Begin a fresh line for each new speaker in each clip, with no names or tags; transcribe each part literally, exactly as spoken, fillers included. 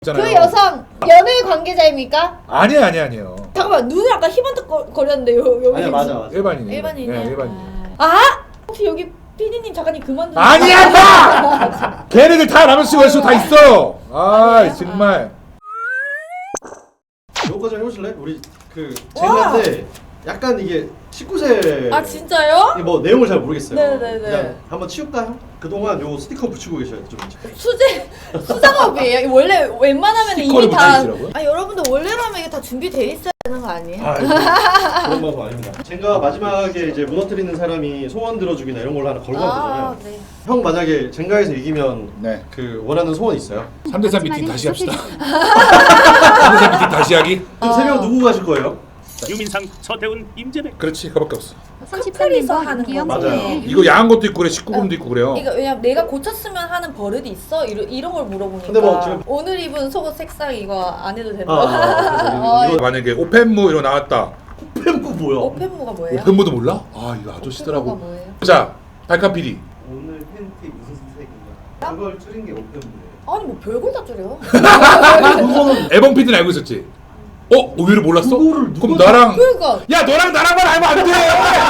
그 여성 연애 관계자입니까?
아니에요, 아니에요, 아니에요.
잠깐만, 눈을 아까 희번뜩거렸는데 요 여기
아니 맞아 맞아.
일반인이에요.
일반인이에요.
네, 일반인.
아 혹시 여기 피디님 잠깐님 그만 좀.
아니야, 마! 걔네들 다 라면 쓰고 할수 다 있어요. 아,
아,
정말.
요거까지 해보실래? 우리 그 젠가인데 약간 이게 십구 세.
아 진짜요?
이게 뭐 내용을 잘 모르겠어요.
네네네.
그냥 한번 치울까요? 그동안 요 스티커 붙이고 계셔야 좀.
수제 수작업이에요. 원래 웬만하면
스티커를
이미 다.
붙여주시라고요?
아 여러분들 원래라면 이게 다 준비돼 있어야 되는 거 아니에요?
아, 그런 방법 아닙니다. 젠가 마지막에 이제 무너뜨리는 사람이 소원 들어주기나 이런 걸로 하나 걸고 하면 되잖아요.
아, 네.
형 만약에 젠가에서 이기면
네.
그 원하는 소원 있어요?
삼 대 삼 미팅 다시 합시다. 삼 대 삼 미팅 다시 하기?
그럼 세 명 누구 가실 거예요?
유민상, 서태훈, 임재백.
그렇지, 그거밖에 없어.
커플이서 하는 거
맞아요.
이거 야한 것도 있고 그래, 십구 금도 있고 그래요.
이거 왜냐면 내가 고쳤으면 하는 버릇이 있어? 이런 이런 걸 물어보니까.
근데 뭐 지금-
오늘 입은 속옷 색상 이거 안 해도 된다.
아, 아, 그래서 이거
만약에 오펜무 이런 거 나왔다.
팬부 뭐야?
오펜무가 뭐예요?
오펜무도 몰라? 아, 이거
오펜무가
아저씨더라고.
뭐예요?
자, 달카 피디.
오늘 팬티 무슨 색인가? 그걸 줄인 게 오픈이에요.
아니 뭐 별걸 다 줄여.
그거는
에범 피디는 알고 있었지? 어? 의외로 몰랐어?
그거를
그럼
누가
나랑
그러니까
야 너랑 나랑만 알면 안 돼!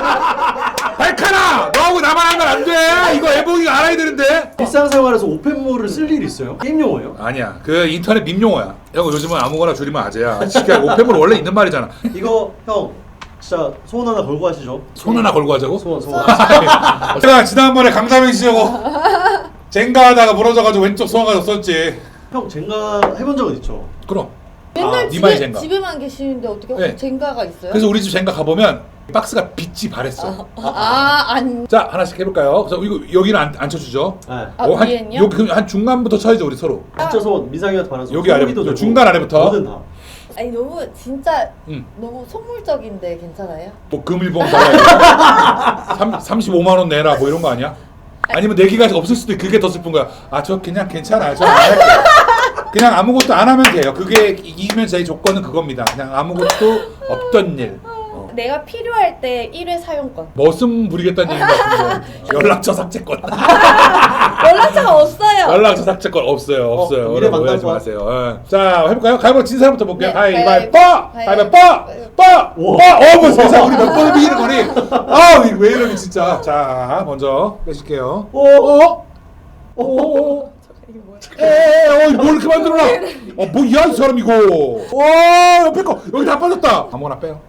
달카나! 너하고 나만 알면 안 돼! 이거 에봉이가 알아야 되는데?
일상생활에서 오펜모를 쓸 일 있어요? 게임 용어예요?
아니야, 그 인터넷 밈 용어야. 형 요즘은 아무거나 줄이면 아재야. 진짜 오펜물 원래 있는 말이잖아.
이거 형 진짜 소원 하나 걸고 하시죠.
손 하나 걸고 하자고?
소원 소원.
제가 지난번에 강다명 씨하고 젠가 하다가 무너져가지고 왼쪽 소화가 썼지.
형 젠가 해본 적은 있죠?
그럼.
맨날
아, 니마이
집에,
젠가.
집에만 계시는데 어떻게
네.
젠가가 있어요?
그래서 우리 집 젠가 가보면 박스가 빛이 바랬어.
아, 안.
자, 하나씩 해볼까요? 그래서 이거 여기는 안, 안 쳐주죠?
네.
아,
어, 한,
위엔요?
요, 그, 한 중간부터 쳐야죠, 우리 서로.
진짜 소원 민상이한테 바라서
여기 아래부터, 중간 아래부터.
뭐든 다.
아니 너무 진짜
응.
너무 선물적인데 괜찮아요?
뭐 금일봉 달라. 삼십오만 원 내라 뭐 이런 거 아니야? 아니면 내기가 없을 수도 있고 그게 더 슬픈 거야. 아, 저 그냥 괜찮아요. 저 안 할게요. 그냥 아무것도 안 하면 돼요. 그게 이기면 제 조건은 그겁니다. 그냥 아무것도 없던 일. 어.
내가 필요할 때 일 회 사용권.
머슴 부리겠다는 얘기 같은데. 연락처 삭제권.
연락처가 없어요.
연락처 삭제권 없어요. 없어요.
어,
여러분
미래
오해하지
만나서
마세요. 어. 자, 해볼까요? 가위바위보 진 사람부터 볼게요.
네,
가위바위보!
가위바위보.
가위바위보! 뽀! 뽀!
우와.
어, 뭐 세상 우리 몇 번을 비기는 거니? 아, 왜 이러니 진짜. 자, 먼저 빼실게요.
오.
어? 오. 에, 어, 뭘 이렇게 만들어놔? 어, 뭐야 이 사람 이거? 와, 옆에 거 여기 다 빠졌다. 아무거나 빼요.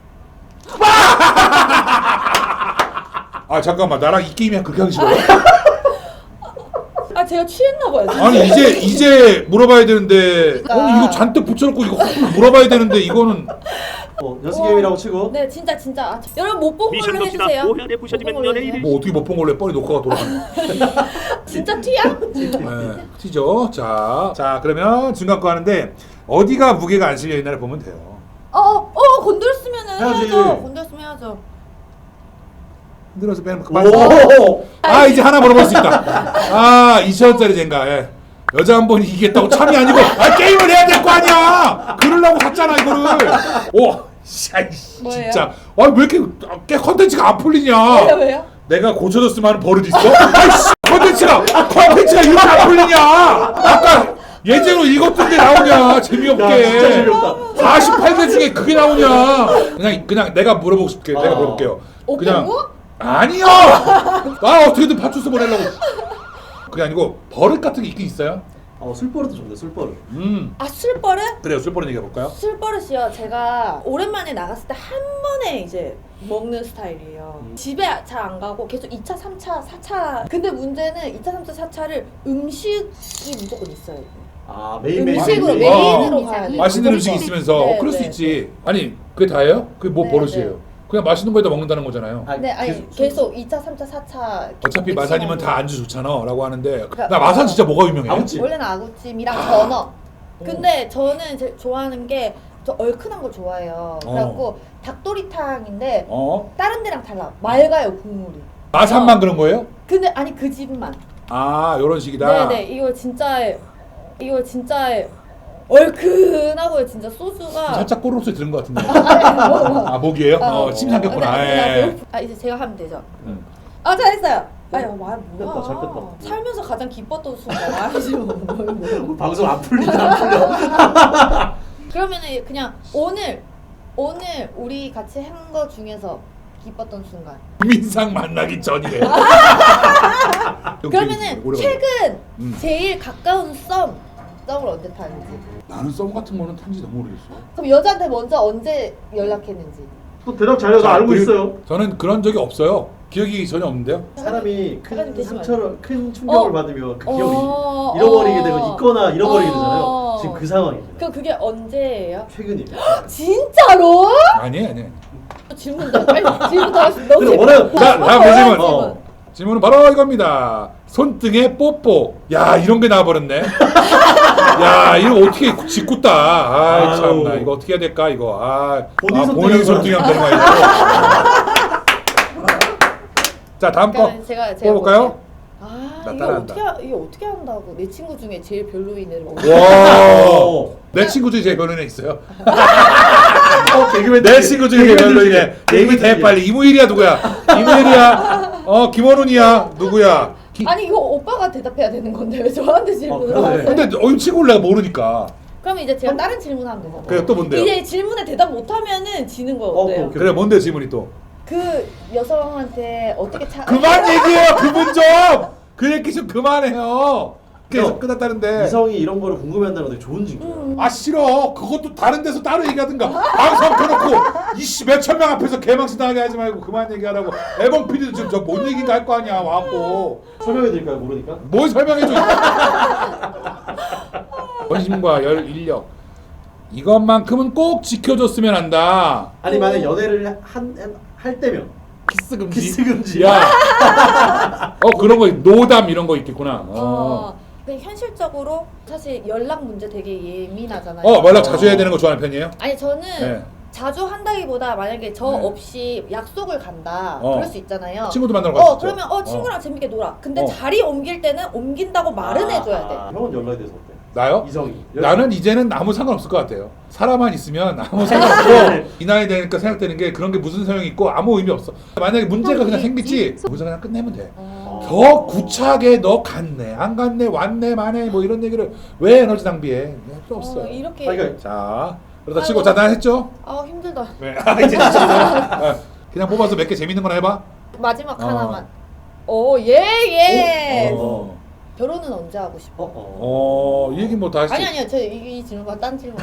아, 잠깐만, 나랑 이 게임이 그렇게 하기 싫어요?
아 제가 취했나 봐요. 진짜.
아니 이제 이제 물어봐야 되는데,
그러니까.
아니 이거 잔뜩 붙여놓고 이거 헛불 물어봐야 되는데 이거는
어, 연습 게임이라고 치고.
네 진짜 진짜 아, 저- 여러분 못 본
미션
걸로
봅시다.
해주세요.
오해안에 부셔지면
못 본 걸로
연예인이-
뭐 어떻게 못 본 걸로 해? 뻔히 녹화가 돌아가네.
진짜 티야?
네, 튀죠. 자, 자 그러면 중간 거 하는데 어디가 무게가 안 실려 있나를 보면 돼요.
어어 어, 건드렸으면은
해야지.
해야죠. 건드렸으면 해야죠.
흔들어서 빼면 그만.
오.
아 이제 하나 물어볼 수 있다. 아 이천 원짜리 젠가. 예. 여자 한 번 이기겠다고 참이 아니고 아 게임을 해야 될 거 아니야. 그러려고 샀잖아 이거를. 오, 샤이
뭐예요?
진짜. 아왜 이렇게 꽤 컨텐츠가 안 풀리냐?
왜요 왜요?
내가 고쳐줬으면 하는 버릇 있어? 아이씨 컨텐츠가 컨텐츠가 이렇게 안 풀리냐? 아까 예제로 읽었던데 나오냐 재미없게.
야, 진짜 재미없다.
사십팔 개 중에 그게 나오냐? 그냥 그냥 내가 물어보고 싶게
아.
내가 물어볼게요. 그냥
오펜무?
아니요. 아 어떻게든 파출소 보내려고. 그게 아니고 버릇 같은 게 있긴 있어요.
어, 술버릇도 좋네. 술버릇.
음
아 술버릇?
그래요. 술버릇 얘기해 볼까요?
술버릇이요. 제가 오랜만에 나갔을 때 한 번에 이제 먹는 스타일이에요.
음.
집에 잘 안 가고 계속 이 차, 삼 차, 사 차. 근데 문제는 이 차, 삼 차, 사 차를 음식이 무조건 있어요.
아 메인 메인.
음식으로
메인,
메인으로
어.
가야 돼요.
맛있는
무조건.
음식이 있으면서
네,
그럴 수
네.
있지. 아니 그게 다예요? 그게 뭐
네,
버릇이에요? 그냥 맛있는 거에다 먹는다는 거잖아요.
아니,
네, 아니
계속-
계속 이 차, 삼 차, 사 차.
어차피
믹싱하고.
마산이면 다 안주 좋잖아 라고 하는데
그러니까-
나 마산 진짜 뭐가 유명해?
아무튼
원래는 아구찜이랑 전어. 근데 저는 제, 좋아하는 게 저 얼큰한 걸 좋아해요.
어.
그래갖고 닭도리탕인데
어?
다른 데랑 달라. 맑아요 국물이.
마산만 그런 거예요?
근데 아니 그 집만.
아 요런 식이다.
네네 이거 진짜 이거 진짜 얼큰하고요 진짜 소주가.
살짝 꼬르륵 소리 들은 것 같은데.
아,
아 목이에요?
어,
어, 침 삼켰구나.
아, 네,
예.
네, 아 이제 제가 하면 되죠.
음.
아 잘했어요. 아니 말 뭐야?
뺐다, 잘 뺐다.
살면서 가장 기뻤던 순간 말이지 뭐. 뭐, 뭐.
방송 안 풀린다 안 풀려.
그러면은 그냥 오늘 오늘 우리 같이 한 거 중에서 기뻤던 순간.
민상 만나기 전이래.
그러면은
오래 걸려.
최근
음.
제일 가까운 썸 썸을 언제 타는지.
나는 썸 같은 거는 탄지 너무 오래됐어.
그럼 여자한테 먼저 언제 연락했는지.
또 대답 잘해서
자,
알고
그리고
있어요.
저는 그런 적이 없어요. 기억이 전혀 없는데요.
사람이
사람이
큰
되지
상처를 큰 충격을
어.
받으면 그
어.
기억이 잃어버리게 되고 있거나 잃어버리게 되잖아요.
어.
지금 그 상황입니다.
그럼 그게 언제예요?
최근이에요.
진짜로?
아니에요, 아니에요.
질문 더 빨리 질문 더 하시. 너무
근데
재밌-
원하는-
어,
자,
어,
다음
원하는
질문.
질문.
어.
질문은 바로 이겁니다. 손등에 뽀뽀. 야, 이런 게 나와버렸네. 야, 이거 어떻게 짓궂다. 아,
아유.
참나. 이거 어떻게 해야 될까, 이거. 아,
본인
아,
손등에
본인
하는
손등에 하면 되는 거야, 이거. 자, 다음 거.
그러니까 제가 제가
뽑아볼까요?
볼게요. 아
나
이거
따라한다.
어떻게 하- 이거 어떻게 한다고 내 친구 중에 제일 별로인 애를 막.
와. 내 친구 중에 제일 별로인 애 있어요.
어, 개그맨
내 친구 중에 제일 별로인 애. 얘기 대 빨리. 이무일이야, 누구야? 이무일이야. 어, 김원훈이야. 누구야? 기...
아니 이거 오빠가 대답해야 되는 건데 왜 저한테 질문을
어, 그러네.
하세요?
근데 어, 친구를 내가 모르니까.
그럼 이제 제가 다른 질문하면 되잖아요.
그래, 또 뭔데요?
이제 질문에 대답 못하면은 지는 거
어,
어때요?
오케이.
그래, 뭔데 질문이 또?
그 여성한테 어떻게 차?
그만 얘기해요, 그분 좀. 그 얘기 좀 그만해요. 계속
형,
끝났다는데.
이성이 이런 거를 궁금해한다는 건 되게 좋은 증거야.
음.
아 싫어. 그것도 다른 데서 따로 얘기하든가. 방송 켜놓고 이씨 몇천 명 앞에서 개망신 당하게 하지 말고 그만 얘기하라고. 에번 피디도 지금 저 뭔 얘기인가 할 거 아니야 와갖고.
설명해 드릴까요? 모르니까?
뭘 설명해줘. 관심과 열 인력. 이것만큼은 꼭 지켜줬으면 한다.
아니 만약 연애를 한, 할 때면
키스 금지.
키스 금지.
야. 어 그런 거 노담 이런 거 있겠구나. 어.
어. 근데 현실적으로 사실 연락 문제 되게 예민하잖아요.
어 연락 자주 해야 되는 거 좋아하는 편이에요?
아니 저는
네.
자주 한다기보다 만약에 저
네.
없이 약속을 간다
어.
그럴 수 있잖아요.
친구도 만나러 갈수
어
있죠.
그러면 어 친구랑 재밌게 놀아. 근데
어.
자리 옮길 때는 옮긴다고 말은 해줘야 돼.
아, 형은 연락에 대해서 어때?
나요?
이성이.
나는 이제는 아무 상관없을 것 같아요. 사람만 있으면 아무 상관없고 이 나이 되니까 생각되는 게 그런 게 무슨 소용이 있고 아무 의미 없어. 만약에 문제가 그냥 생기지 거기서 그냥 끝내면 돼.
어.
더 구차하게 너 갔네 안 갔네 왔네 마네 뭐 이런 얘기를 왜 에너지 낭비해. 필요 없어.
어, 이렇게.
아, 그러니까
자 그러다
아이고.
치고 자 난 했죠?
아 힘들다.
네. 아, 이제 아, 그냥 뽑아서 몇 개 재밌는 거나 해봐.
마지막
어.
하나만. 오예 예.
어.
결혼은 언제 하고 싶어?
어, 어.
어, 이 얘기 뭐 다 했지.
아니 아니요 저 이 질문과 딴 질문.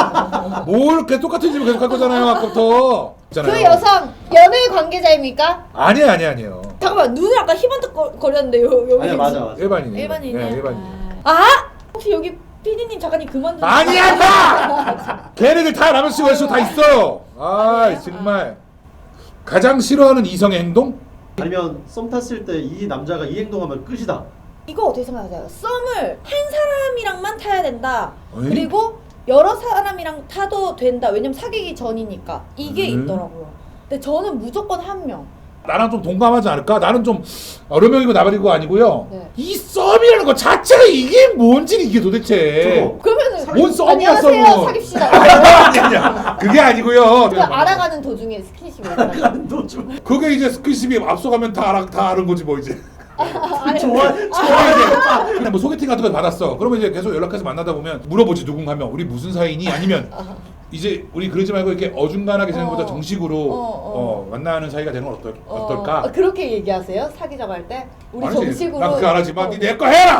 뭘 계속 똑같은 질문 계속 할 거잖아요 아까부터. 있잖아요.
그 여성 연애 관계자입니까?
아니에요 아니에요 아니에요.
잠깐만 눈을 아까 희번뜩거렸는데 요 여기.
아니야 맞아 맞아.
일반인이에요.
일반인이요.
네, 일반인.
아 혹시 여기 피디님 작가님 그만 좀.
아니야 마. 걔네들 다 라면 씨고 수 다 있어요. 아
그래요?
정말 가장 싫어하는 이성의 행동?
아니면 썸 탔을 때 이 남자가 이 행동하면 끝이다.
이거 어떻게 생각하세요? 썸을 한 사람이랑만 타야 된다.
어이?
그리고 여러 사람이랑 타도 된다. 왜냐면 사귀기 전이니까 이게
음.
있더라고요. 근데 저는 무조건 한 명.
나랑 좀 동감하지 않을까? 나는 좀 여러 명이고 나발이고 아니고요.
네.
이 썸이라는 거 자체가 이게 뭔지 이게 도대체.
저거.
그러면은
뭔 썸이야
안녕하세요
썸은.
사깁시다.
아니 아니 아니 그게 아니고요.
그 알아가는 도중에 스킨십을 했잖아요.
너좀
그게 이제 스킨십이 앞서가면 다 알아 다 아는 거지 뭐 이제.
좋아 좋아.
그냥 뭐 소개팅 같은 거 받았어. 그러면 이제 계속 연락해서 만나다 보면 물어보지 누군가 하면 우리 무슨 사이니? 아니면 이제 우리 그러지 말고 이렇게 어중간하게 지내는 것보다
어.
정식으로
어,
어,
어.
만나는 사이가 되는 건 어떨,
어,
어떨까?
아, 그렇게 얘기하세요? 사귀자고 할 때? 우리
아니지.
정식으로.
난 그거 안 하지만
어.
니 내 거 해라!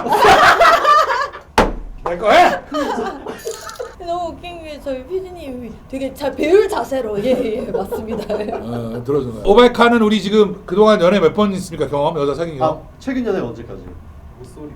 내 거 해!
너무 웃긴 게 저희 피디님이 되게 잘 배울 자세로 예예 예, 맞습니다.
어, 들어주네. 오백카는 우리 지금 그동안 연애 몇 번 있습니까? 경험? 여자 사귄
아
경험?
최근 연애 언제까지?
목소리.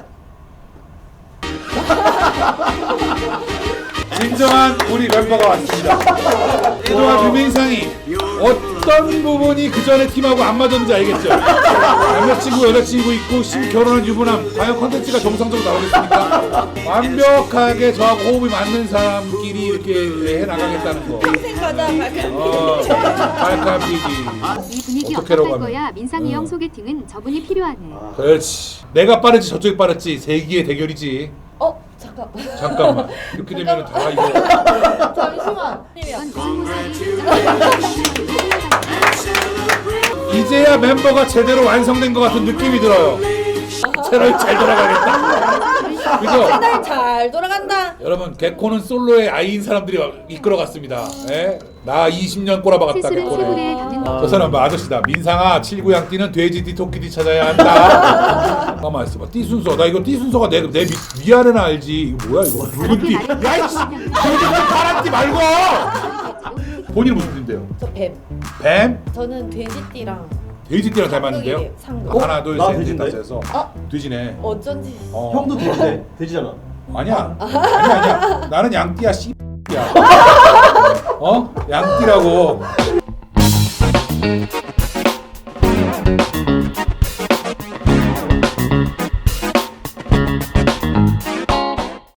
진정한 우리 멤버가 왔습니다. 그동안 유민상이 어떤 부분이 그 전에 팀하고 안 맞았는지 알겠죠? 남자친구, 여자친구 있고 심 결혼한 유부남 과연 컨텐츠가 정상적으로 나오겠습니까? 완벽하게 저하고 호흡이 맞는 사람끼리 이렇게 해나가겠다는 거.
평생 가자 발칸.
어, 발칸 피디.
이 분위기
어떻게라고
어떡할
하면.
거야? 민상이
응.
형 소개팅은 저분이 필요하네.
아,
그렇지. 내가 빠르지 저쪽이 빠르지 세기의 대결이지.
어 잠깐.
잠깐만. 이렇게 되면 다 이거.
잠시만.
이건 무슨 모습이
이제야 멤버가 제대로 완성된 것 같은 느낌이 들어요. 채널 잘 돌아가겠다. 그죠?
채널 잘 돌아간다.
여러분 개코는 솔로의 아이인 사람들이 이끌어갔습니다. 예? 나 이십 년 꼬라박았다
세술은
개코네.
세골에 담는
저 사람 뭐 아저씨다. 민상아 칠구양띠는 돼지띠 토끼띠 찾아야 한다. 가만 있어봐. 띠 순서. 나 이거 띠 순서가 내, 내 위, 위아래는 알지. 이거 뭐야 이거. 붉은 띠. 야이씨. 붉은 파란 띠 말고. 본인 무슨 띠인데요?
저 뱀.
뱀?
저는 돼지띠랑
돼지띠랑 닮았는데요?
상극.
어? 하나 둘
나
셋 넷
돼지인데?
다섯 해서
어?
돼지네.
어쩐지.
어.
형도 돼지네. 돼지잖아.
아니야. 아니야 아니야. 나는 양띠야 씨야. 어? 양띠라고.